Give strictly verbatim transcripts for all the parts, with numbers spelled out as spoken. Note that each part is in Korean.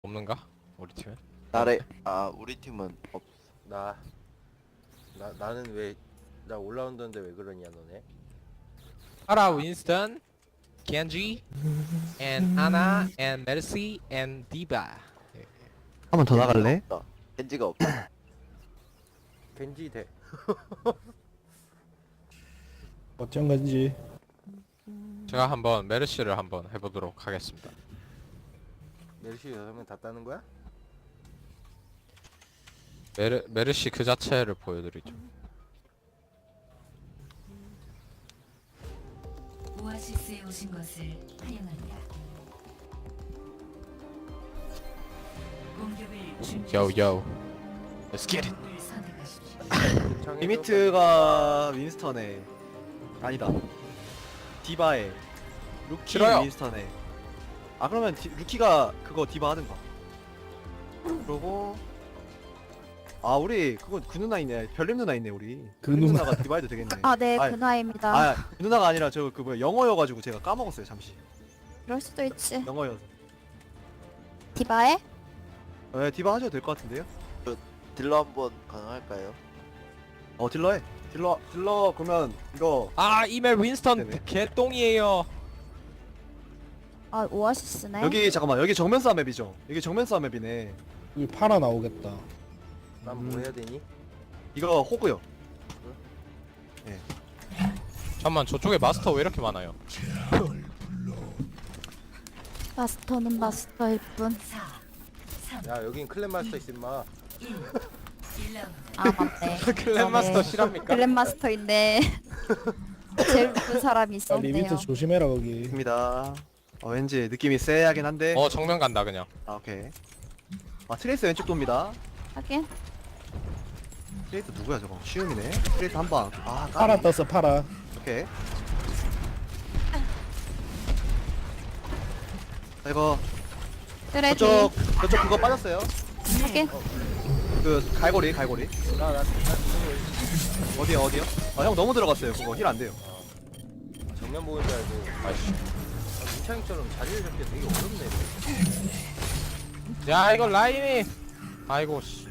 없는가? 우리 팀에? 나래 아 우리 팀은 없. 나, 나 나는 왜 나 올라운드인데 왜 그러냐 너네? 파라, 윈스턴, 겐지, and 아나, and 메르시, and 디바. 한 번 더 나갈래? 없다. 겐지가 없다. 겐지 대. 어쩐 건지. 제가 한번 메르시를 한번 해보도록 하겠습니다. 멜시 여섯 명 다 따는 거야? 메르 메르시 그 자체를 보여드리죠. 오아시스에 오신 것을 환영합니다. 공격을 준비. Yo yo, let's get it. 을 선택하십시오. 창에서 리미트가 윈스턴에 아니다 디바에 루키 싫어요. 윈스턴에 아 그러면 디, 루키가 그거 디바 하든가. 그러고 아 우리 그거 그 누나 있네. 별님 누나 있네 우리. 그 그 누나. 누나가 디바 해도 되겠네. 아, 네, 아이, 근화입니다. 아 그 누나가 아니라 저 그 뭐야 영어여가지고 제가 까먹었어요 잠시. 그럴 수도 있지. 영어여서. 디바에? 네 디바 하셔도 될 것 같은데요? 딜러 한번 가능할까요? 어 딜러 해. 딜러 딜러 그러면 이거 아 이멜 윈스턴 네네. 개똥이에요. 아, 오아시스네. 여기 잠깐만 여기 정면 싸움 맵이죠? 여기 정면 싸움 맵이네. 여기 파라 나오겠다. 난 뭐 해야 되니? 이거 호구요. 잠만, 저쪽에 마스터 왜 이렇게 많아요? 마스터는 마스터일 뿐. 사, 삼, 야 여긴 클랜 마스터 있음 마. 일. 일 라운드. 아, 맞네. 클랜 마스터 실합니까? 글랜 마스터인데 제일 높은 사람이 아, 있었네요. 리미트 조심해라 거기. 입니다. 어 왠지 느낌이 쎄하긴 한데. 어 정면 간다 그냥. 아 오케이. 아 트레이스 왼쪽 돕니다. 하긴. 트레이스 누구야 저거? 시움이네. 트레이스 한 방. 아 파라 까비. 떴어 파라. 오케이. 자, 이거 쓰레기. 저쪽 저쪽 그거 빠졌어요. 하긴. 그 갈고리 갈고리. 나 나 어디요 어디요? 아 형 너무 들어갔어요. 그거 힐 안 돼요. 정면 보는 줄 알고. 아이씨. 아, 문창이처럼 자리를 잡기 되게 어렵네. 야 이거 라임이. 아이고 씨.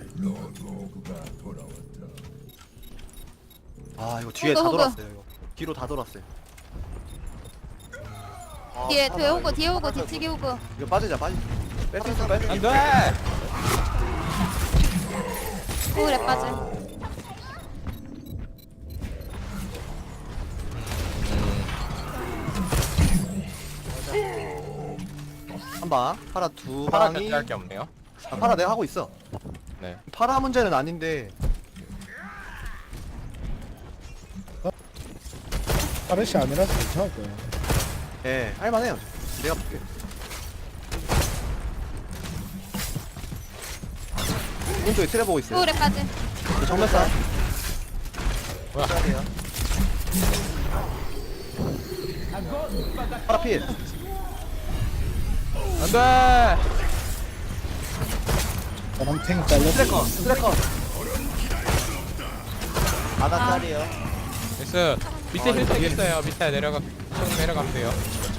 아 이거 뒤에 호그, 다 호그. 돌았어요. 이거. 뒤로 다 돌았어요. 아, 뒤에, 살아, 뒤에 오고, 이거. 뒤에 오고, 뒤치기 오고. 이거 빠지자 빠지. 뺄 수 있어 뺄 수 있어. 안돼. 오래 빠져. 한 방. 파라 두 파라 방이. 견제할 게 없네요. 아, 파라 내가 하고 있어. 네. 파라 문제는 아닌데. 파르시 아니라서 괜찮을 거야. 예, 할만해요. 내가 볼게. 오른쪽에 트레 보고 있어요. 오래 빠져. 그 정면 싸. 뭐야? 파라 필. 안돼. 저랑 탱 잘렸어. 트레커, 트레커. 하나 짜리요. 나이스. 밑에 힐팩 있어요. 밑에 내려가 쭉 내려가면 돼요.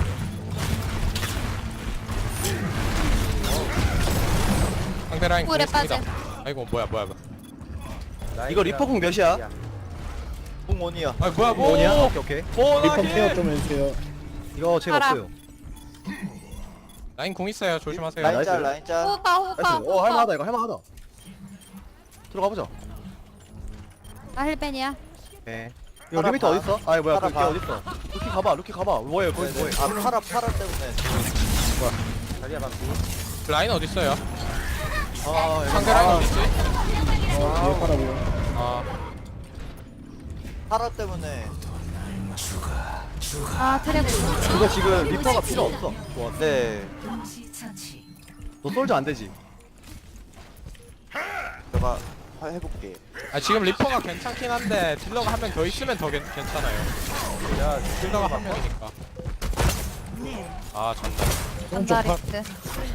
상대 라인 오래 공있습니다. 빠져. 아이고 뭐야 뭐야 뭐야. 이거 리퍼공 몇이야? 뽕원이야. 아 뭐야 뭐. 뭐냐? 오케이, 오케이. 리퍼 케어 좀 해주세요. 이거 제가 파라. 없어요. 라인 공 있어요. 조심하세요. 나이스. 라인 짤 라인 짤. 호가, 호가, 나이스. 어, 호가. 할만하다, 이거 할만하다. 들어가 보자. 나 헬벤이야. 예. 이거 파라 리미터 봐. 어딨어? 아니, 뭐야, 파라 그게 봐. 어딨어? 루키 가봐, 루키 가봐. 뭐해, 거기 뭐해. 아 파라 파라 때문에. 자리야 방금. 라인 어디 있어요? 아, 상대 라인 아, 어디 있지? 어 뒤에 파라 보여. 아 파라 때문에. 아, 트레고. 이거 지금 리퍼가 필요 없어. 뭐 네. 동시 처치. 너 솔저 안 되지? 제가 하- 해볼게. 아, 지금 리퍼가 괜찮긴 한데 딜러가 한 명 더 있으면 더 괜, 괜찮아요. 야 딜러가 한 명이니까. 아 전달. 오른쪽 파. 안다리스.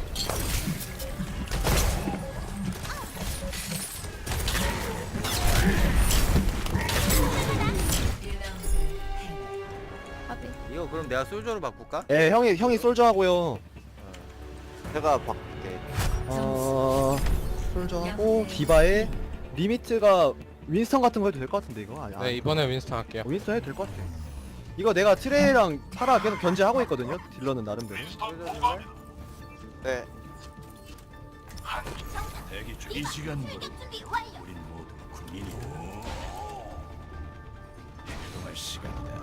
아비. 이거 그럼 내가 솔저로 바꿀까? 예, 형이 형이 솔저 하고요. 제가 바꿀게. 어, 솔저하고 디바에 리미트가 윈스턴 같은 거 해도 될 것 같은데 이거 아니 네 이번에 윈스턴 할게요. 윈스턴 해도 될 것 같아. 이거 내가 트레이랑 파라 계속 견제하고 있거든요. 딜러는 나름대로. 네. 대기 중. 이 시간부로 우린 모두 군인이다. 이동할 시간이다.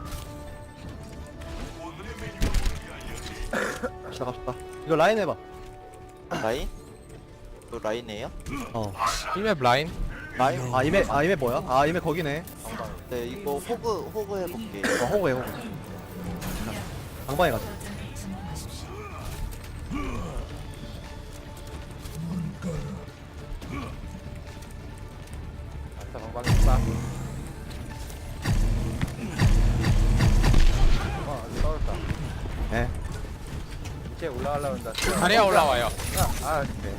갑시다 갑시다. 이거 라인 해봐. 라인? 또 라인이에요? 어. 이맵 라인. 라인? 아 이메 아 이메 뭐야? 아 이메 거기네. 네, 이거 호그, 호그 해볼게요. 어 호구해 호구. 방방에 가자. 거점을 점령하십시오. 아싸 방방이 빡. 어 아주 떨었다. 예. 이제 올라가려고 한다. 자리야 올라와요. 아, 아 그래.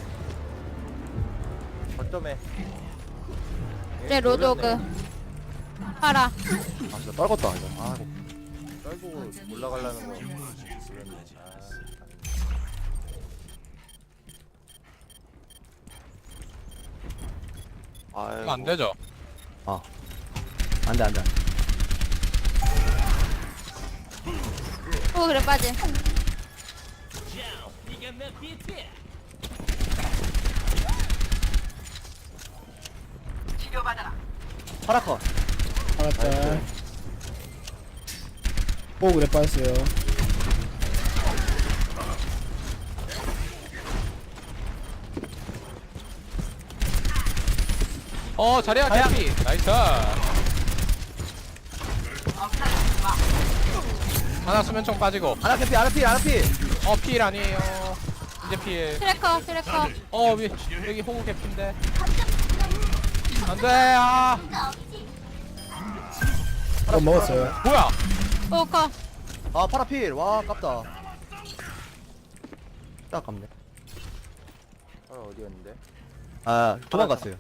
아. 어쩌매. 이제 로드오그. 파라. 아 진짜 떨궜다 이거. 아 이거. 떨고 올라가려는 거. 아유. 이거 안 되죠? 안돼 안돼. 오 그래 빠지. 파라커. 알았다. 오 그래 빠졌어요. 어 자리야 자리야. 개피. 나이스. 하나 수면총 빠지고. 아라피 아라피 아라피. 어 필 아니에요. 이제 필. 트래커 트래커. 어 위, 여기 호구 개피인데. 안돼. 아 어 먹었어요. 뭐야? 오 커. 아 파라필. 와 아깝다. 딱 아깝네. 아 어디였는데? 아 도망갔어요.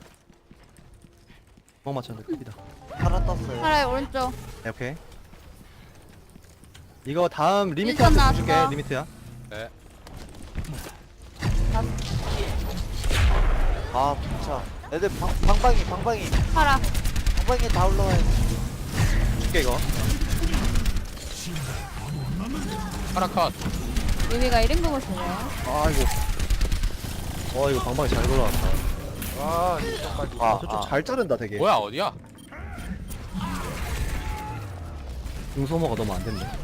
도망 맞췄는데 큽니다. 파라 떴어요. 파라의 오른쪽. 네, 오케이. 이거 다음 일선 리미트한테 나왔어. 줄게. 리미트야. 네. 아, 진짜. 애들 방, 방방이, 방방이. 파라. 방방이 다 올라와요. 줄게 이거. 파라컷. 유미가 일 인공을 쓰네. 아 이거. 와 이거 방방이 잘 돌아왔다. 와 이쪽까지. 아, 저쪽 아. 잘 자른다 되게. 뭐야 어디야? 중소모가 너무 안 됐네.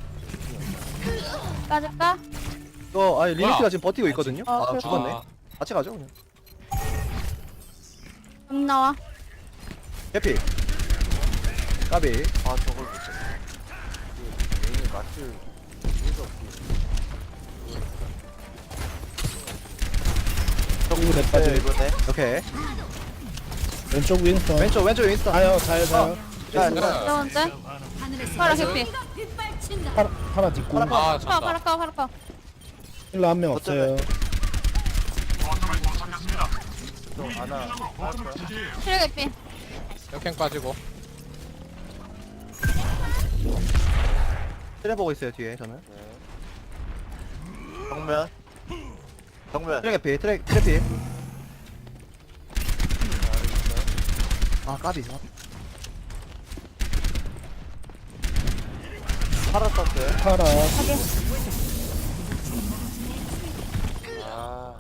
빠질까? 이거 아니 리미트가 뭐야? 지금 버티고 있거든요. 어, 아 그래. 죽었네. 아, 같이 가죠 그냥. 음 나와. 해피. 까비. 아, 저걸 못 쳤어. 얘는 맞출 이유가 없지. 오 그래 네, 빠져. 이번에. 오케이. 왼쪽 윈스턴. 왼쪽 왼쪽 윈스턴. 아요 잘 가요. 자, 네. 자, 두 번째. 파라 개피. 파라 파라 뒷구. 아 파라 졌다. 파라 커 파라 커. 힐러 한 명 없어요. 또 하나. 트랙 개피. 역행 빠지고. 트레 보고 있어요 뒤에 저는. 정면. 정면. 트레 피 트레 트레 피. 아 까비. 파라 떴어요. 파라. 아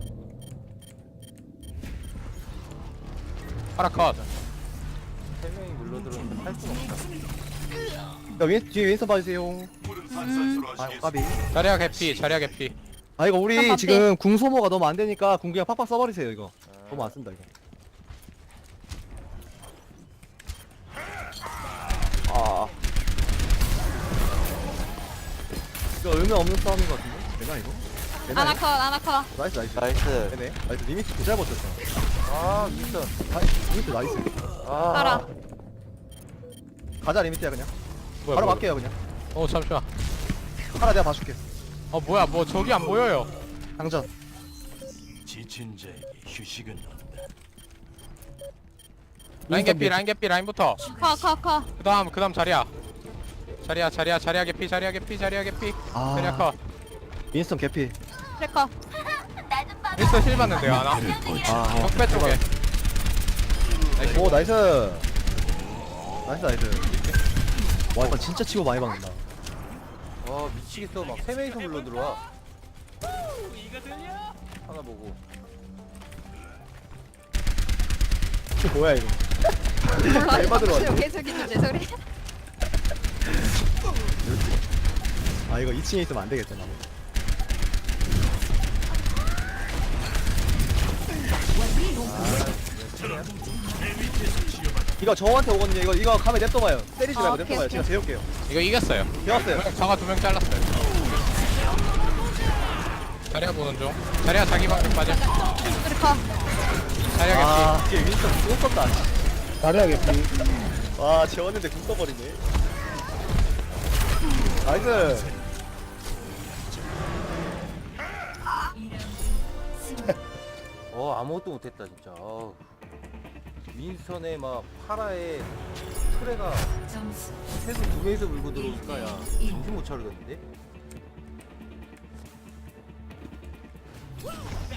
파라컷. 세 명이 물러들었는데 할 수가 없다. 야 윈, 뒤에 윈스턴 봐주세요. 아 까비. 자리야 개피. 자리야 개피. 아 이거 우리 깜빡해. 지금 궁 소모가 너무 안 되니까 궁 그냥 팍팍 써버리세요 이거. 너무 안 쓴다 이거. 아, 이거 의미 없는 싸움인 것 같은데? 되나 이거? 되나 아나 이거? 컷 아나 컷. 나이스 나이스. 나이스. 되네. 나이스 리미트 개잘 버텼어. 아 미스터. 아, 리미트 나이스. 아 파라. 가자 리미트야 그냥. 뭐야, 바로 뭐야. 갈게요 그냥. 어 잠시만. 하나 내가 봐줄게. 어 뭐야 뭐 저기 안 보여요. 당전. 지친 자에게 휴식은 없다. 라인 개피 라인 개피 라인부터. 커 커 커. 그다음 그다음 자리야. 자리야 자리야 자리야 개피 자리야 개피 자리야 개피. 아. 자리야 컷. 윈스턴 개피. 트랙커. 윈스턴 힐 받는데요 하나. 아, 어. 적배 쪽에. 오 나이스 나이스 나이스. 와 이거 진짜 치고 많이 박는다. 아 미치겠어. 막 세 명이서 물러 들어와. 하나 보고. 이게 뭐야 이거. 얼마 들어왔지? 계속 있는데 소리. 아 이거 이 층에 있으면 안 되겠다 나. 이거 저한테 오거든요. 이거 이거 가면 냅둬봐요. 때리지 말고 아, 오케이, 냅둬봐요. 오케이. 제가 재울게요. 이거 이겼어요. 배웠어요. 저가 두 명 잘랐어요. 자리야 보는 중. 자리야 자기 방금 빠져. 우리 가. 자리야 겠지. 아 뒤에 윈스턴 궁 썼다. 다리야 개피. 와 재웠는데 궁 써버리네. 나이스. 어 아무것도 못했다 진짜. 어. 윈스턴에 막 파라에 트레가 점수 최소 두 명이서 물고 들어오니까 야 정신 못 차리겠는데?